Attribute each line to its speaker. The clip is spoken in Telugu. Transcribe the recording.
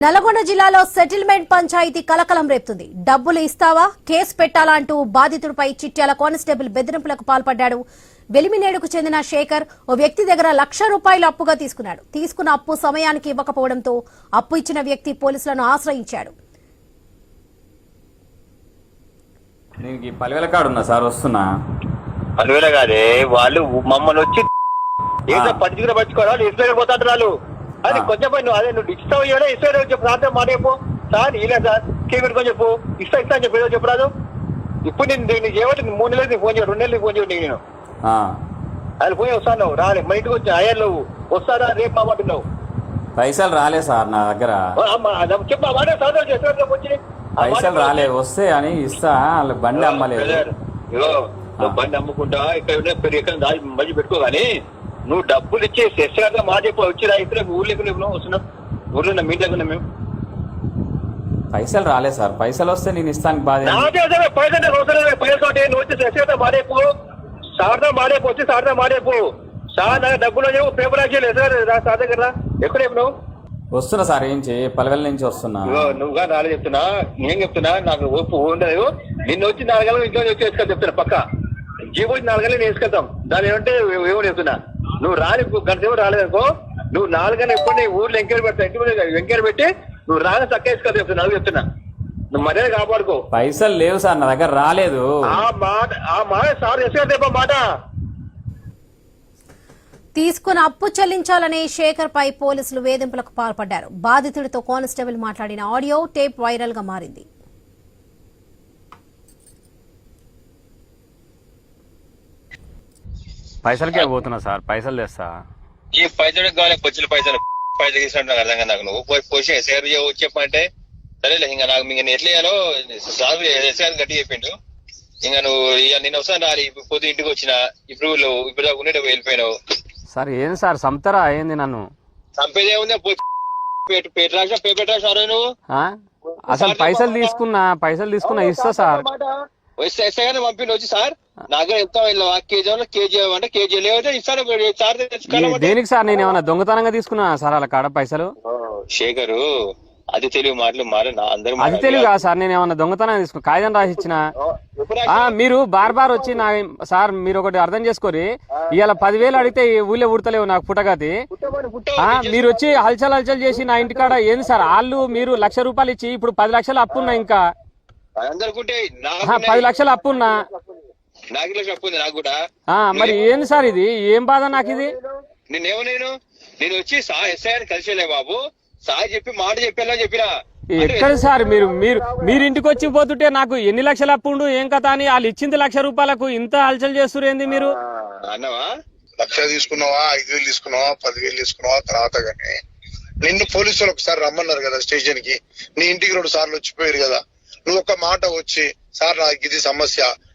Speaker 1: నల్గొండ జిల్లాలో సెటిల్మెంట్ పంచాయతీ కలకలం రేపుతుంది. డబ్బులు ఇస్తావా, కేసు పెట్టాలా అంటూ బాధితుడిపై చిట్యాల కానిస్టేబుల్ బెదిరింపులకు పాల్పడ్డాడు. వెలిమినేడుకు చెందిన శేఖర్ ఓ వ్యక్తి దగ్గర ₹1,00,000 అప్పుగా తీసుకున్నాడు. తీసుకున్న అప్పు సమయానికి ఇవ్వకపోవడంతో అప్పు ఇచ్చిన వ్యక్తి పోలీసులను ఆశ్రయించాడు.
Speaker 2: కాదే వాళ్ళు మమ్మల్ని వచ్చి ఏదో పట్టుకుని పట్టుకోవాలి ఇసుక పోతాంటారు. అది కొంచెం నువ్వు అదే నువ్వు ఇస్తావు ఇసుక చెప్పు రాత్రి మాటేపు సార్ ఇలా సార్ కేపెట్టుకొని చెప్పు ఇస్తా అని చెప్పి ఏదో చెప్పరాదు. ఇప్పుడు నేను చేయబట్టి 3 నెలలు ఫోన్ చేయడు 2 నెలలు ఫోన్ చేయడు నేను అది పోయి వస్తాను రాలే మా ఇంటికి వచ్చి అయ్యారు నువ్వు వస్తారా రేపు మాట్లాడుతున్నావు.
Speaker 3: పైసలు రాలే సార్ నా దగ్గర
Speaker 2: చెప్పు ఆ మాట సాధారణ వచ్చి
Speaker 3: పైసలు రాలే వస్తే అని ఇస్తా వాళ్ళకి బండి అమ్మలేదు.
Speaker 2: బండి అమ్ముకుంటా ఇక్కడ మధ్య పెట్టుకో కానీ నువ్వు డబ్బులు ఇచ్చి శశిగా మాట చెప్పు వచ్చి రైతులు ఊర్లోకి వస్తున్నాం ఊర్లో మీ దగ్గర మేము
Speaker 3: పైసలు రాలే సార్ పైసలు వస్తే నేను ఇస్తాను బాధ
Speaker 2: పైసలు నువ్వు వచ్చి శశిగా మాడేపు సార్దా మాడేపు వచ్చి సార్దా మాడేపు సార్ నాకు డబ్బులు పేపర్ రాసేయలేదు సార్ సార్ దగ్గర ఎక్కడేపు నువ్వు
Speaker 3: వస్తున్నా సార్ ఏం చేయి పలవెల నుంచి వస్తున్నా.
Speaker 2: నువ్వుగా నాలుగు చెప్తున్నా నేను చెప్తున్నా నాకు ఓపు ఉండదు. నిన్ను వచ్చి 4 గంటలు ఇంట్లో వచ్చి వేసుకొని చెప్తున్నా పక్క జీవో 4 గంటలు నేను వేసుకెళ్తాం దాని ఏమంటే ఏమో చెప్తున్నా. నువ్వు రాని గంట సేపు రాలేదనుకో నువ్వు 4 గంటలు ఎప్పుడు నీ ఊర్లో ఎంక్వైరీ పెడతా ఇంటి ఎంక్వైరీ పెట్టి నువ్వు రాని చక్క వేసుకొని చెప్తున్నా నాకు చెప్తున్నా. నువ్వు మర్యాద కాపాడుకో.
Speaker 3: పైసలు లేవు సార్ నా దగ్గర రాలేదు.
Speaker 2: ఆ మాట సార్ వేసుకొని మాట
Speaker 1: తీసుకున్న అప్పు చెల్లించాలని శేఖర్ పై పోలీసులు వేధింపులకు పాల్పడ్డారు. బాధితుడితో కానిస్టేబుల్ మాట్లాడిన ఆడియో టేప్ వైరల్ గా మారింది.
Speaker 3: పైసలకే పోతున్నా సార్ పైసలు తెస్తా.
Speaker 2: ఈ పైసలు కావాలి పొచ్చులు పైసలు తీసుకుంటా అర్థం కదా నాకు. నువ్వు పోయి షేర్ చెప్పంటే సరేలే ఇంకా నాకు నేను ఎట్లా చేయాలో సార్ ఎస్ఆర్ గట్టి చెప్పిండు. ఇంకా నువ్వు నిన్న వస్తాను రాలి పొద్దు ఇంటికి వచ్చిన ఇప్పుడు దాకా ఉండేటప్పుడు వెళ్ళిపోయినావు.
Speaker 3: సార్ ఏం సార్ సంతరా అయింది నన్ను
Speaker 2: చంపేదే ఉంది పెట్టరాసారు నువ్వు
Speaker 3: అసలు పైసలు తీసుకున్నా ఇస్తా సార్
Speaker 2: వస్తే కానీ పంపిణీ వచ్చి సార్ నాకు ఎంత కేజీ అంటే కేజీ లేకపోతే ఇస్తాను సార్.
Speaker 3: దేనికి సార్ నేను ఏమన్నా దొంగతనంగా తీసుకున్నా సార్ అలా కాడ పైసలు?
Speaker 2: శేఖరు అది తెలుగు మాటలు అందరూ
Speaker 3: అది తెలుగు కాదు సార్ నేను ఏమన్నా దొంగతనంగా తీసుకున్నా కాగితం రాసి ఇచ్చిన. మీరు బార్ వచ్చి నా సార్ మీరు ఒకటి అర్థం చేసుకోరి ఇవాళ 10,000 అడిగితే ఊళ్ళో ఉడతలేవు నాకు పుట్టగతి. మీరు వచ్చి హల్చల్ చేసి నా ఇంటికాడ ఏంది సార్ వాళ్ళు మీరు ₹1,00,000 ఇచ్చి ఇప్పుడు 10 లక్షలు అప్పున్నా ఇంకా 10 లక్షలు అప్పున్నా మరి ఏంది సార్ ఇది ఏం బాధ నాకు ఇది?
Speaker 2: నేను వచ్చి ఎస్ఐని కలిసేలే బాబు సాయి చెప్పి మాట చెప్పేలా చెప్పినా
Speaker 3: ఎక్కడ సార్ మీరు ఇంటికి వచ్చి పోతుంటే నాకు ఎన్ని లక్షలు అప్పు ఉండు ఏం కథ అని వాళ్ళు ఇచ్చింది ₹1,00,000 ఇంత హల్చల్ చేస్తున్నారు ఏంది మీరు?
Speaker 2: అన్నవా
Speaker 4: 1,00,000 తీసుకున్నావా 5,000 తీసుకున్నావా 10,000 తీసుకున్నావా తర్వాత కానీ నిన్ను పోలీసులు ఒకసారి రమ్మన్నారు కదా స్టేషన్ కి. నీ ఇంటికి 2 సార్లు వచ్చిపోయారు కదా. నువ్వు ఒక మాట వచ్చి సార్ నాకు ఇది సమస్య